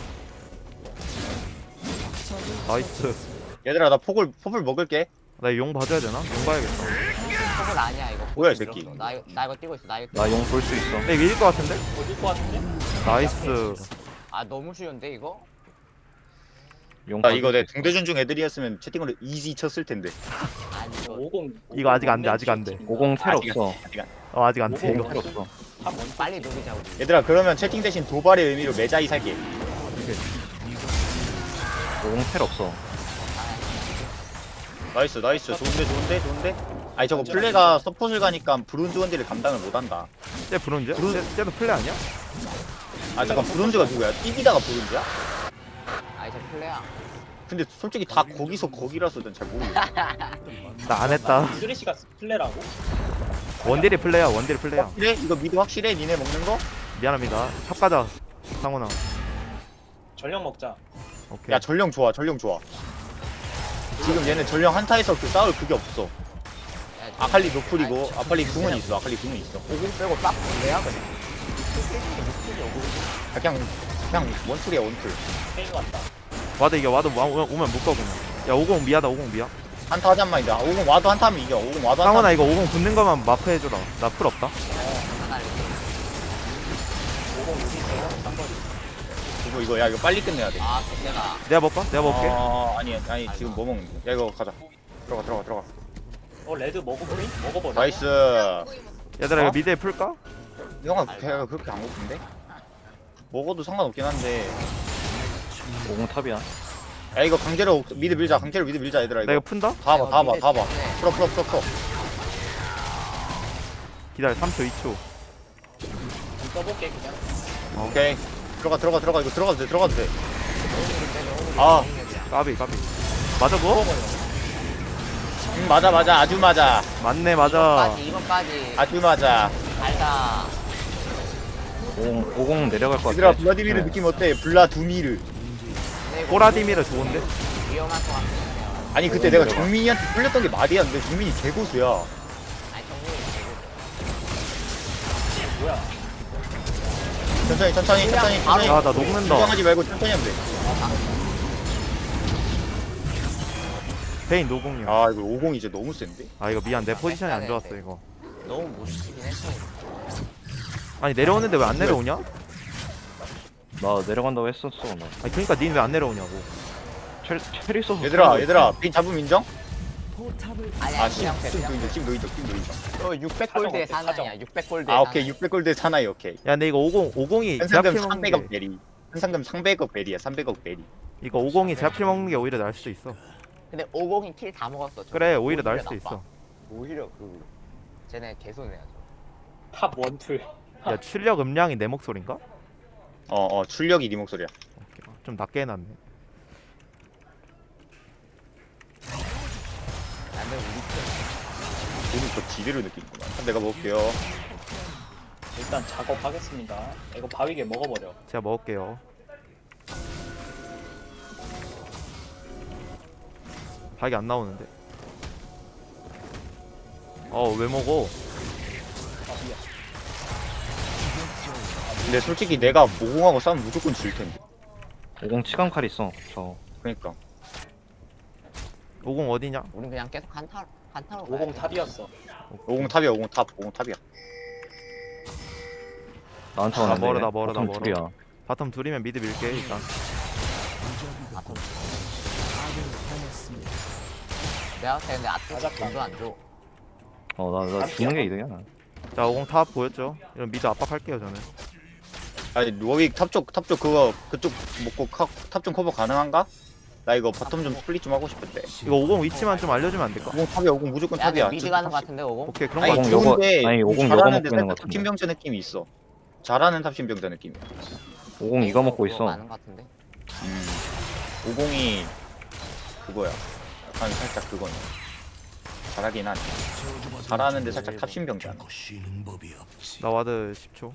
Speaker 1: 나이스.
Speaker 3: 얘들아 나 폭을 폭을 먹을게.
Speaker 1: 나 용 봐줘야 되나? 용 봐야겠다.
Speaker 4: 폭은 아니야 이거
Speaker 3: 뭐야, 이 새끼.
Speaker 4: 나 이거 나 이거 뛰고 있어 나 이거
Speaker 2: 나 용 볼 수 있어.
Speaker 1: 내 밀릴 것 같은데?
Speaker 5: 어딜 것 같은데?
Speaker 1: 나이스.
Speaker 4: 아 너무 쉬운데 이거?
Speaker 2: 용
Speaker 3: 아
Speaker 2: 볼
Speaker 3: 이거
Speaker 2: 수
Speaker 3: 내
Speaker 2: 있어.
Speaker 3: 동대전 중 애들이었으면 채팅으로 이지 쳤을 텐데.
Speaker 4: 아니 이거
Speaker 5: 오공.
Speaker 1: 이거 아직 안 돼, 아직 안 돼.
Speaker 2: 오공 텔
Speaker 3: 아직
Speaker 2: 없어.
Speaker 3: 아직 안-
Speaker 1: 어 아직 안 돼
Speaker 2: 오공
Speaker 1: 이거.
Speaker 2: 텔 없어.
Speaker 4: 빨리 누르자 우리
Speaker 3: 얘들아 그러면 채팅 대신 도발의 의미로 매자이 살게.
Speaker 2: 오공 텔 없어.
Speaker 3: 나이스 나이스 좋은데 좋은데 좋은데. 아니 저거 플레가 서폿을 가니까 브론즈 원딜을 감당을 못한다.
Speaker 1: 쟤 브론즈야?
Speaker 3: 브론-
Speaker 1: 쟤, 쟤도 플레 아니야?
Speaker 3: 아 잠깐 브론즈가 누구야? 띠비다가 브론즈야?
Speaker 4: 아니 저 플레야
Speaker 3: 근데 솔직히 다 거기서 거기라서 난 잘 모르겠어.
Speaker 1: 나 안 했다.
Speaker 5: 쓰레쉬가 플레라고?
Speaker 1: 원딜이 플레야 원딜이 플레야.
Speaker 3: 확실해? 이거 미드 확실해? 니네 먹는 거?
Speaker 1: 미안합니다. 탑 가자. 상훈아.
Speaker 5: 전력 먹자.
Speaker 1: 오케이.
Speaker 3: 야 전령 좋아 전령 좋아. 지금 얘네 전령 한타에서 그 싸울 그게 없어.
Speaker 4: 야, 저-
Speaker 3: 아칼리 노플이고
Speaker 4: 아니, 저-
Speaker 3: 아칼리 궁은 있어. 아칼리 궁은 있어.
Speaker 4: 오공 빼고 싹 플레야 그냥
Speaker 3: 아, 그냥 그냥 원툴이야 원툴.
Speaker 5: 케인 왔다.
Speaker 1: 와드 이겨 와드 와- 오면 오면 묶어 그냥. 야 오공 미하다 오공 미야.
Speaker 3: 한타 하잔 말이야. 아, 오공 와도 한타 하면 이겨. 오공 와도 한타.
Speaker 1: 상훈아 이거 오공 붙는 거만 마프 해줘라. 나 풀 없다.
Speaker 4: 하나 이렇게
Speaker 5: 오공 여기 있어. 쌍거리.
Speaker 3: 이거 이거 야 이거 빨리 끝내야 돼.
Speaker 4: 아 그때가
Speaker 1: 내가 먹까? 내가 먹게.
Speaker 3: 아 아니 아니 지금 뭐 먹는 거야? 야 이거 가자. 들어가 들어가 들어가.
Speaker 5: 어 레드 먹어보니? 먹어버려.
Speaker 3: 나이스.
Speaker 1: 얘들아
Speaker 3: 어?
Speaker 1: 이거 미드에 풀까?
Speaker 3: 형아 걔가 그렇게 안 고픈데? 먹어도 상관없긴 한데.
Speaker 2: 오공 탑이야.
Speaker 3: 야 이거 강제로 미드 밀자. 강제로 미드 밀자 얘들아
Speaker 1: 나
Speaker 3: 이거.
Speaker 1: 이거 푼다?
Speaker 3: 다 봐, 다 봐, 다 봐.
Speaker 4: 네.
Speaker 3: 풀어, 풀어, 풀어, 풀어.
Speaker 1: 기다려 삼 초 이 초.
Speaker 5: 좀 써볼게 그냥.
Speaker 3: 오케이. 들어가, 들어가, 들어가. 이거 들어가도 돼, 들어가도 돼. 아,
Speaker 1: 까비 까비. 맞아 그거?
Speaker 3: 음, 맞아, 맞아. 아주 맞아.
Speaker 1: 맞네 맞아.
Speaker 4: 이번까지 이번까지
Speaker 3: 아주 맞아.
Speaker 4: 달다
Speaker 2: 오공, 오공 내려갈 것 같아.
Speaker 3: 얘들아, 블라디미르
Speaker 2: 네.
Speaker 3: 느낌 어때? 블라두미르.
Speaker 1: 꼬라디미르 좋은데?
Speaker 4: 위험할 것 같긴 해요
Speaker 3: 아니, 그때 내가 정민이한테 풀렸던 게 말이었는데, 정민이 개고수야.
Speaker 4: 아니 정민이
Speaker 5: 뭐야?
Speaker 3: 천천히, 천천히, 천천히, 천천히.
Speaker 1: 아 나 녹는다.
Speaker 3: 긴장하지 말고 천천히 하면 돼.
Speaker 1: 베인 노공이야.
Speaker 3: 아, 이거 오공 이제 너무 센데?
Speaker 1: 아 이거 미안 내 포지션이 안 좋았어 이거.
Speaker 4: 너무 못 치긴 했어
Speaker 1: 아니 내려오는데 왜 안 내려오냐?
Speaker 2: 나 내려간다고 했었어. 나.
Speaker 1: 아니 그러니까 닌 왜 안 내려오냐고.
Speaker 2: 첼, 첼 있어서.
Speaker 3: 얘들아, 얘들아, 빈 잡음 인정?
Speaker 6: 포탑을
Speaker 4: 아니
Speaker 3: 아,
Speaker 4: 아니
Speaker 3: 심,
Speaker 4: 그냥
Speaker 3: 심,
Speaker 4: 그냥
Speaker 3: 노인정, 심, 노인정, 심, 노인정.
Speaker 4: 너 육백 골드의
Speaker 5: 사정 어때?
Speaker 4: 사나이야 육백 골드의
Speaker 3: 아, 오케이.
Speaker 4: 사나이.
Speaker 3: 육백 골드 사나이, 오케이.
Speaker 1: 야 근데 이거 오공 오공이
Speaker 3: 현상금
Speaker 1: 제압킬 먹는
Speaker 3: 삼백억
Speaker 1: 게
Speaker 3: 베리. 현상금 삼백억 베리야, 삼백억 베리.
Speaker 1: 이거 오공이 제압킬 먹는 게 오히려 나을 수도 있어.
Speaker 4: 근데 오공이 킬 다 먹었어 저거.
Speaker 1: 그래 오히려 나을 수도
Speaker 4: 나빠.
Speaker 1: 있어.
Speaker 4: 오히려 그 쟤네 개손해야 죠
Speaker 5: 탑 원툴.
Speaker 1: 야 출력 음량이 내 목소린가?
Speaker 3: 어, 어, 출력이 네 목소리야.
Speaker 1: 오케이. 좀 낮게 해놨네.
Speaker 4: 근데 우리 팀
Speaker 3: 더 지대로 느끼는구만. 그럼 내가 먹을게요.
Speaker 5: 일단 작업하겠습니다. 이거 바위게 먹어버려.
Speaker 1: 제가 먹을게요. 박이 안 나오는데. 어 왜 먹어?
Speaker 5: 아 미안.
Speaker 3: 근데 솔직히 내가 모공하고 싸우면 무조건 질 텐데.
Speaker 2: 오공 치감 칼 있어. 저
Speaker 3: 그러니까.
Speaker 1: 오공 어디냐?
Speaker 4: 우린 그냥 계속 한타 한타로
Speaker 5: 오공 탑이었어.
Speaker 3: 오공 탑이야, 오공 탑, 오공 탑이야.
Speaker 2: 나한테
Speaker 1: 나
Speaker 2: 왔는데.
Speaker 1: 멀어, 나 멀어, 나
Speaker 2: 바텀
Speaker 1: 멀어.
Speaker 2: 둘이야.
Speaker 1: 바텀 둘이면 미드 밀게 일단.
Speaker 4: 내가 봤을 때 근데 아트
Speaker 5: 맞았다.
Speaker 4: 돈도 안 줘.
Speaker 2: 어나 나 죽는 게 이득이야.
Speaker 1: 자 오공 탑 보였죠? 이런 미드 압박할게요 저는.
Speaker 3: 아니, 워윅 탑쪽, 탑쪽 그거, 그쪽 먹고 탑 좀 커버 가능한가? 나 이거 바텀 좀 스플릿 좀 하고 싶은데.
Speaker 1: 이거 오공 위치만 좀 알려주면 안 될까?
Speaker 3: 오공 탑이야, 오공 무조건
Speaker 4: 야,
Speaker 3: 탑이야.
Speaker 4: 근데 미드 가는 거 같은데 오공?
Speaker 1: 오케이 그런 거
Speaker 3: 아니,
Speaker 2: 오공
Speaker 1: 같아.
Speaker 2: 요거-
Speaker 3: 좋은데,
Speaker 2: 아니, 오공 요거
Speaker 3: 잘하는데
Speaker 2: 먹고 있는 것
Speaker 3: 살짝
Speaker 2: 같은데.
Speaker 3: 탑신병자 느낌이 있어. 잘하는 탑신병자 느낌이야.
Speaker 2: 오공 이거 먹고 있어.
Speaker 4: 많은 거 같은데.
Speaker 3: 음. 오공이 그거야. 약간 살짝 그거네. 잘하긴 하네. 잘하는데 살짝 탑신병자.
Speaker 7: 결코 쉬는 법이 없지.
Speaker 1: 나 와드 십 초.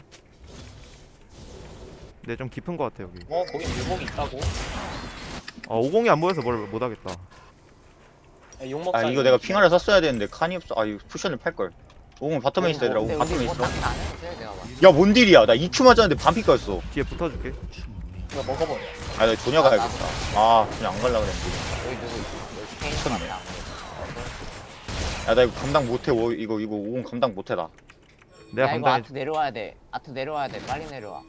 Speaker 1: 근데 좀 깊은 거 같아 여기.
Speaker 5: 어 거기 묘목이 있다고.
Speaker 1: 어 오공이 안 보여서 뭘 못하겠다.
Speaker 5: 야, 욕 먹자.
Speaker 3: 아 이거 내가 핑하를 샀어야 되는데 칸이 없어. 아 이거 쿠션을 팔걸. 오공 바텀에 있어 얘들아.
Speaker 4: 근데
Speaker 3: 오공
Speaker 4: 우리
Speaker 3: 바텀에
Speaker 4: 뭐
Speaker 3: 있어.
Speaker 4: 딱히 안 해도 내가 봐.
Speaker 3: 야 뭔 딜이야. 나 이 큐 맞았는데 반피 깠어.
Speaker 1: 뒤에 붙어줄게.
Speaker 5: 이거 먹어버려.
Speaker 3: 아 나 조냐 가야겠다. 아 그냥 안 갈라 그랬는데.
Speaker 4: 여기 누구 있어? 여기 케인
Speaker 3: 미쳤네.
Speaker 4: 같다.
Speaker 3: 야 나 이거 감당 못해. 워- 이거 이거 오공 감당 못해 나.
Speaker 1: 내가
Speaker 4: 야 이거
Speaker 1: 감당해.
Speaker 4: 아트 내려와야 돼. 아트 내려와야 돼. 빨리 내려와.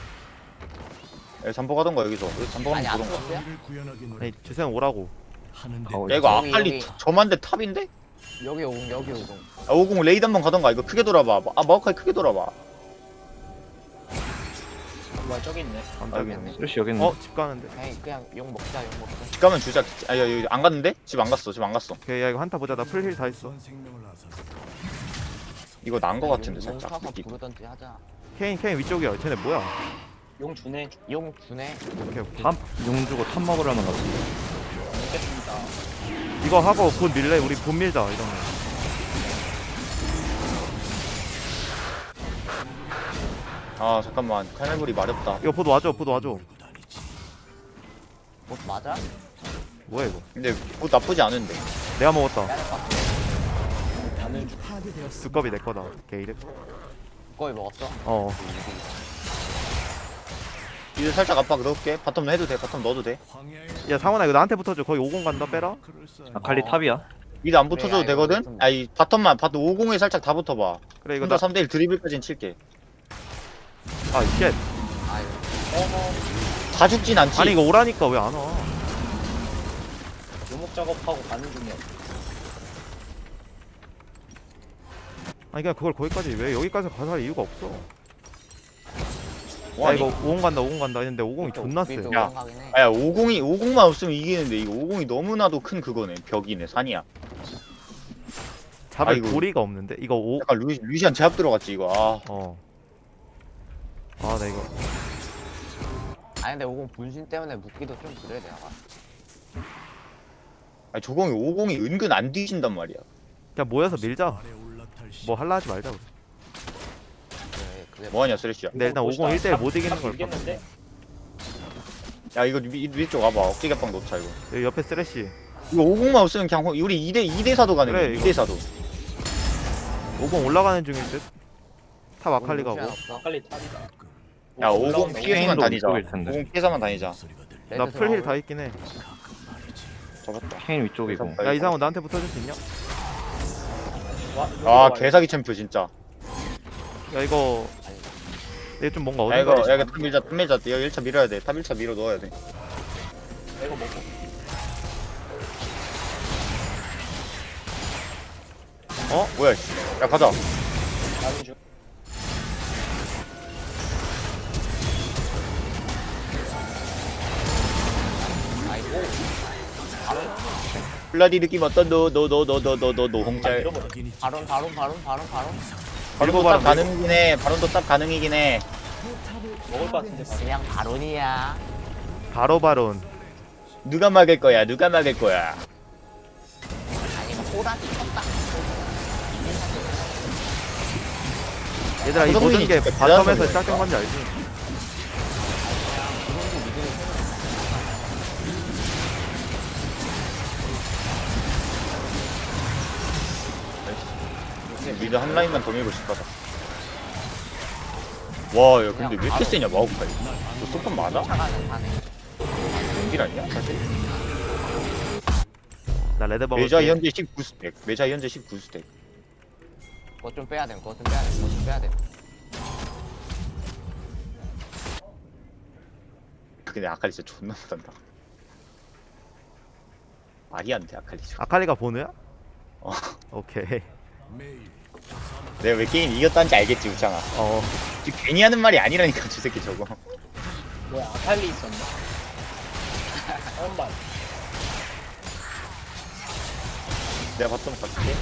Speaker 3: 야 잠복 하던가 여기서. 여기 잠복
Speaker 4: 아니
Speaker 3: 하면
Speaker 4: 아트
Speaker 3: 보던가.
Speaker 4: 없어요?
Speaker 7: 우리를 구현하기 노력
Speaker 1: 아니 주세는 오라고.
Speaker 7: 하는데
Speaker 2: 어,
Speaker 3: 야 이거
Speaker 4: 여기,
Speaker 3: 아칼리
Speaker 4: 여기.
Speaker 3: 저만데 탑인데?
Speaker 4: 여기 오공 여기 오공.
Speaker 3: 아 오공 레이드 한번 가던가. 이거 크게 돌아봐. 아 마우카이 크게 돌아봐.
Speaker 5: 뭐야 저기 있네.
Speaker 1: 감당했네.
Speaker 2: 쓰레쉬 여기 있네.
Speaker 1: 어 집 가는데.
Speaker 4: 에이 그냥 욕 먹자 욕 먹자.
Speaker 3: 집 가면 주자. 아 야, 여기 안 갔는데? 집 안 갔어. 집 안 갔어.
Speaker 1: 오케이 야 이거 한타 보자. 나 풀힐 다 있어.
Speaker 7: 생명을 앗아
Speaker 3: 이거 난 거 같은데
Speaker 4: 용
Speaker 3: 살짝.
Speaker 4: 타서
Speaker 3: 느낌.
Speaker 4: 부르던지 하자.
Speaker 1: 케인 케인 위쪽이야. 쟤네 뭐야?
Speaker 5: 용 주네.
Speaker 4: 용 주네.
Speaker 1: 오케이 오케이.
Speaker 2: 탑용 주고 탑 먹으려는 거 같은데.
Speaker 5: 먹겠습니다.
Speaker 1: 이거 하고 곧 밀래? 우리 곧 밀자 이러면.
Speaker 3: 아 잠깐만. 칼날물이 마렵다.
Speaker 1: 이거 보드 와줘. 보드 와줘.
Speaker 7: 몰고 다니지.
Speaker 4: 뭐 맞아?
Speaker 1: 뭐야 이거?
Speaker 3: 근데 뭐 나쁘지 않은데.
Speaker 1: 내가 먹었다.
Speaker 5: 나는 주-
Speaker 6: 파괴되었습니다.
Speaker 1: 두꺼비 내 거다. 게이드.
Speaker 4: 거의 먹었어?
Speaker 1: 어.
Speaker 3: 이제 살짝 압박 넣을게. 바텀 해도 돼. 바텀 넣어도 돼.
Speaker 7: 황야의
Speaker 1: 야 상원아 이거 나한테 붙어줘. 거의 오공 간다. 빼라.
Speaker 7: 그럴싸한
Speaker 2: 아칼리
Speaker 4: 어.
Speaker 2: 탑이야.
Speaker 3: 미드 안
Speaker 4: 그래,
Speaker 3: 붙어줘도
Speaker 4: 야, 이거
Speaker 3: 되거든?
Speaker 4: 좀-
Speaker 3: 아이 바텀만 바텀 오공에 살짝 다 붙어봐.
Speaker 1: 그래 이거
Speaker 3: 혼자
Speaker 1: 나.
Speaker 3: 삼 대 일 드리블까지는 칠게.
Speaker 1: 아 쉣.
Speaker 4: 아유.
Speaker 5: 어허
Speaker 3: 다 죽진 않지.
Speaker 1: 아니 이거 오라니까 왜 안 와?
Speaker 5: 묘목 작업하고 가는 중이야.
Speaker 1: 아니 그냥 그걸 거기까지 왜 여기까지 가서 할 이유가 없어. 야
Speaker 3: 뭐하니?
Speaker 1: 이거 오공 간다. 오공 간다. 했는데 오공이 존나 세.
Speaker 4: 우리도
Speaker 3: 야.
Speaker 4: 오공 가긴 해.
Speaker 3: 아야 오공이 오공만 없으면 이기는데 이거 오공이 너무나도 큰 그거네. 벽이네. 산이야.
Speaker 1: 잡을
Speaker 3: 아이고.
Speaker 1: 고리가 없는데 이거 오.
Speaker 3: 약간 루, 루시안 제압 들어갔지 이거. 아.
Speaker 1: 어. 아 나 이거.
Speaker 4: 아니 근데 오공 분신 때문에 묶기도 좀 그래 내가 봐.
Speaker 3: 아니 조공이 오공이 은근 안 뒤진단 말이야.
Speaker 1: 그냥 모여서 밀자.
Speaker 7: 아래 올라탈 시
Speaker 1: 뭐 할라 하지 말자. 우리.
Speaker 4: 그래 그게
Speaker 3: 뭐하냐 쓰레쉬야.
Speaker 1: 근데 일단 오공 일 대일 못 이기는 걸 봐.
Speaker 5: 이겼는데?
Speaker 3: 야 이거 위, 위쪽 와봐. 어깨 개빵 놓자 이거.
Speaker 1: 여기 옆에 쓰레쉬.
Speaker 3: 이거 오공만 없으면 그냥 호- 우리 이 대 이 대 사도 가능해.
Speaker 1: 그래,
Speaker 3: 이
Speaker 1: 이거.
Speaker 3: 대 사도.
Speaker 1: 오공 올라가는 중일 듯. 탑 아칼리
Speaker 4: 오공
Speaker 1: 가고.
Speaker 4: 루시안 없어.
Speaker 5: 아칼리 탑이다.
Speaker 3: 야 오공
Speaker 5: 올라온다.
Speaker 3: 피해서만
Speaker 2: 오공도
Speaker 3: 다니자.
Speaker 2: 위쪽일 텐데.
Speaker 3: 오공 피해서만 다니자.
Speaker 7: 소리가 들려.
Speaker 1: 나
Speaker 4: 레드
Speaker 1: 풀힐
Speaker 4: 들어가고.
Speaker 1: 다 있긴 해.
Speaker 3: 잡았다.
Speaker 2: 케인 위쪽이고.
Speaker 3: 그래서-
Speaker 1: 야 이상호 나한테 붙어줄 수 있냐?
Speaker 5: 와,
Speaker 3: 아
Speaker 5: 이거
Speaker 3: 개사기 챔프 진짜.
Speaker 1: 야 이거. 이게 좀 뭔가
Speaker 3: 야 이거
Speaker 1: 어딘가.
Speaker 3: 야 이거 탑 밀자 탑 밀자. 이거 일 차 밀어야 돼. 탑 일 차 밀어 넣어야 돼.
Speaker 5: 이거 먹고.
Speaker 3: 어? 뭐야? 씨. 야 가자.
Speaker 5: 나는 중.
Speaker 4: 아이고.
Speaker 3: 플라디 느낌 어떤 노노노노노노노
Speaker 5: 아,
Speaker 3: 노홍짤.
Speaker 5: 잃어버려.
Speaker 4: 바론 바론 바론 바론 바론.
Speaker 3: 바론도 탑 가능이긴 해. 바론도 탑 가능이긴 해.
Speaker 5: 먹을 것 같은데. 바로.
Speaker 4: 그냥 바론이야.
Speaker 1: 바로 바론.
Speaker 3: 누가 막을 거야? 누가 막을 거야?
Speaker 4: 아니 뭐 호라지 쳤다.
Speaker 1: 얘들아 이 모든
Speaker 3: 손흥민이
Speaker 1: 게
Speaker 3: 진짜
Speaker 1: 바텀에서
Speaker 3: 대단한
Speaker 1: 시작된 건지 알지?
Speaker 3: 미드 한 라인만 더 밀고 싶다. 와, 야 근데 왜 이렇게 세냐 마우카이? 너 소품 맞아?
Speaker 4: 차가는 사네.
Speaker 3: 연길 아니야 사실?
Speaker 1: 나 레드 먹을게.
Speaker 3: 메자 현재 십구 스택. 메자 현재 십구 스택.
Speaker 4: 그거 좀 빼야 돼. 그거 좀 빼야 돼. 그거 좀 빼야 돼.
Speaker 3: 근데 아칼리 진짜 존나 못한다. 말이 안 돼 아칼리.
Speaker 1: 아칼리가 보느야?
Speaker 3: 어.
Speaker 1: 오케이.
Speaker 7: 매일
Speaker 3: 내가 왜 게임 이겼다는지 알겠지 우창아.
Speaker 1: 어.
Speaker 3: 지금 괜히 하는 말이 아니라니까 저 새끼 저거.
Speaker 5: 뭐야 아칼리 있었네. 처음 봐.
Speaker 3: 내가 봤던 것 같은데.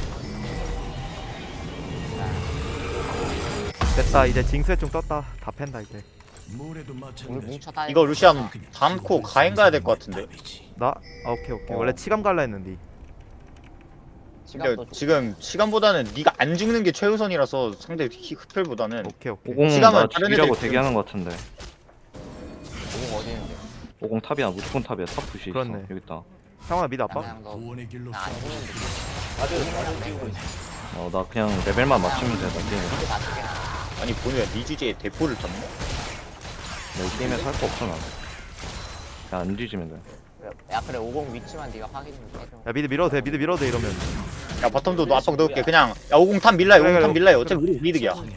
Speaker 1: 됐다. 이제 징수에 좀 떴다. 다 팬다 이제.
Speaker 7: 모래도
Speaker 4: 우리
Speaker 7: 마찬가지.
Speaker 4: 뭉쳐 다니.
Speaker 3: 이거 루시안 다음 코 가행 가야 될 것 같은데.
Speaker 1: 나? 아 오케이 오케이.
Speaker 3: 어.
Speaker 1: 원래 치감 갈라 했는데.
Speaker 3: 근데
Speaker 4: 시간도 좀.
Speaker 3: 지금 시간보다는 네가 안 죽는 게 최우선이라서 상대 히- 흡혈보다는
Speaker 1: 오케이 오케이.
Speaker 2: 오공
Speaker 3: 시간은
Speaker 2: 나
Speaker 3: 다른
Speaker 2: 죽이려고
Speaker 3: 애들
Speaker 2: 대기하는 것 같은데.
Speaker 4: 오공 어디 있는데?
Speaker 2: 오공 탑이야 무조건 탑이야 탑 푸시 있어.
Speaker 1: 그렇네.
Speaker 2: 여기 있다.
Speaker 1: 상원아 미드 아빠?
Speaker 4: 그냥 너.
Speaker 7: 구원의 길로
Speaker 4: 나안 죽는데.
Speaker 5: 다들 다들 뛰고 있어.
Speaker 2: 어 나 그냥 레벨만 맞추면 돼. 나 게임에.
Speaker 4: 이게 맞게 나.
Speaker 3: 아니 보느야 네 주제에 대포를 쳤네.
Speaker 2: 나이 게임에서 할 거 없어 난. 그냥 안 뒤지면 돼.
Speaker 4: 야 그래 오공 위치만 네가 확인 좀 해줘.
Speaker 1: 야 미드 밀어도 돼. 미드 밀어도 돼 이러면.
Speaker 3: 야 바텀도 너 압박 넣을게. 그냥 야 오공 탑 밀라요.
Speaker 1: 그래,
Speaker 3: 오공 탑
Speaker 1: 그래.
Speaker 3: 밀라요. 어차피 우리 미득이야.
Speaker 5: 몸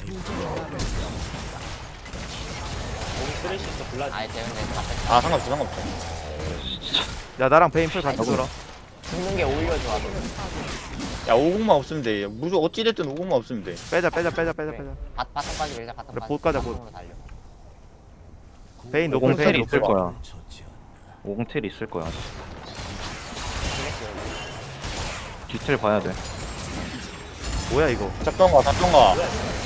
Speaker 5: 쓰레쉬 있어 블라디.
Speaker 4: 아이 재훈이 다 뺐다.
Speaker 3: 아 상관없어 상관없어.
Speaker 1: 야 나랑 베인풀 같이 돌아.
Speaker 4: 죽는 게 오히려 좋아. 너.
Speaker 3: 야 오공만 없으면 돼. 무조 어찌됐든 오공만 없으면 돼.
Speaker 1: 빼자 빼자 빼자 빼자
Speaker 4: 그래.
Speaker 1: 빼자.
Speaker 4: 바, 바텀까지 밀자 바텀까지.
Speaker 1: 그래, 봇 가자, 봇.
Speaker 4: 바텀으로 달려.
Speaker 1: 베인
Speaker 2: 오공
Speaker 1: 노플
Speaker 2: 텔이
Speaker 1: 베인
Speaker 2: 있을
Speaker 1: 노플.
Speaker 2: 거야.
Speaker 7: 처치 않아.
Speaker 2: 오공 텔이 있을 거야. 뒤틀 봐야 돼.
Speaker 1: 뭐야 이거?
Speaker 3: 잡던가 잡던가.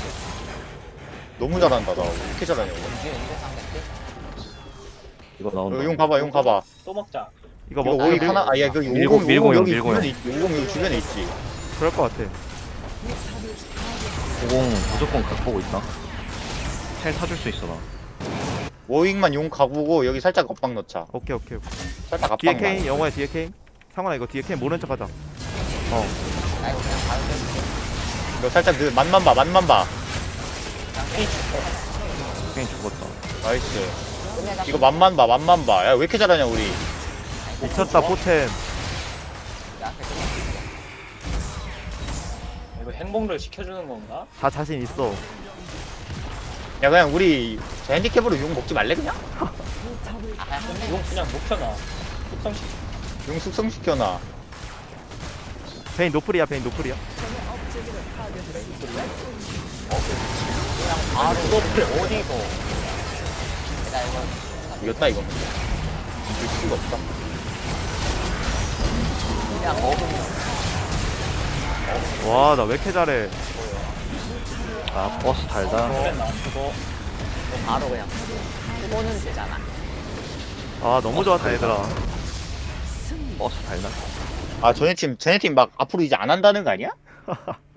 Speaker 3: 너무 잘한다 나. 왜 이렇게 잘하냐.
Speaker 4: 이제 이제 상대 때.
Speaker 2: 이거 나온다.
Speaker 3: 어, 용 봐봐 용 봐봐.
Speaker 5: 또 먹자.
Speaker 1: 이거
Speaker 3: 이거
Speaker 1: 먹고
Speaker 3: 오익
Speaker 1: 밀-
Speaker 3: 하나 아야 그
Speaker 2: 밀고,
Speaker 3: 오공
Speaker 2: 밀고
Speaker 3: 오공
Speaker 2: 용,
Speaker 3: 여기
Speaker 2: 밀고
Speaker 3: 주변에 있- 오공 여기 주변에 있지.
Speaker 1: 그럴 것 같아.
Speaker 2: 오공 무조건 각 보고 있다. 텔 타줄 수 있어 나.
Speaker 3: 오익만 용 가보고 여기 살짝 엇박 넣자.
Speaker 1: 오케이 오케이 오케이.
Speaker 3: 살짝
Speaker 1: 뒤에
Speaker 3: 압박만.
Speaker 1: 케인 영호야 뒤에 케인. 상원아 이거 뒤에 케인 모른 척하자.
Speaker 4: 나 이거 그냥 바로 뺄게.
Speaker 3: 너 살짝 그 맛만 봐 맛만 봐.
Speaker 2: 게임 죽었다.
Speaker 3: 나이스.
Speaker 4: 끝내자.
Speaker 3: 이거 맛만 봐 맛만 봐. 야 왜 이렇게 잘하냐 우리.
Speaker 1: 미쳤다 포텐.
Speaker 4: 야, 끝내.
Speaker 5: 이거 행복을 시켜주는 건가?
Speaker 1: 다 자신 있어.
Speaker 3: 야 그냥 우리 저 핸디캡으로 용 먹지 말래 그냥?
Speaker 4: 아 그냥 끝내.
Speaker 5: 용 그냥 못 켜놔. 속성시.
Speaker 3: 용 숙성시켜놔.
Speaker 1: 베인 노플이야 베인 노플이야.
Speaker 4: 그냥 바로 이거를 어디고. 나 이거.
Speaker 3: 이겼다 이거. 이길 수가 없다.
Speaker 4: 그냥 먹으면.
Speaker 1: 와 나 왜 이렇게 잘해.
Speaker 2: 아 버스 달다.
Speaker 5: 그래 나 그거.
Speaker 4: 이거 바로 그냥. 쓰고는 되잖아.
Speaker 1: 아 너무 좋았다 얘들아.
Speaker 2: 버스 달다.
Speaker 3: 아 쟤네 팀 쟤네 팀 막 앞으로 이제 안 한다는 거 아니야?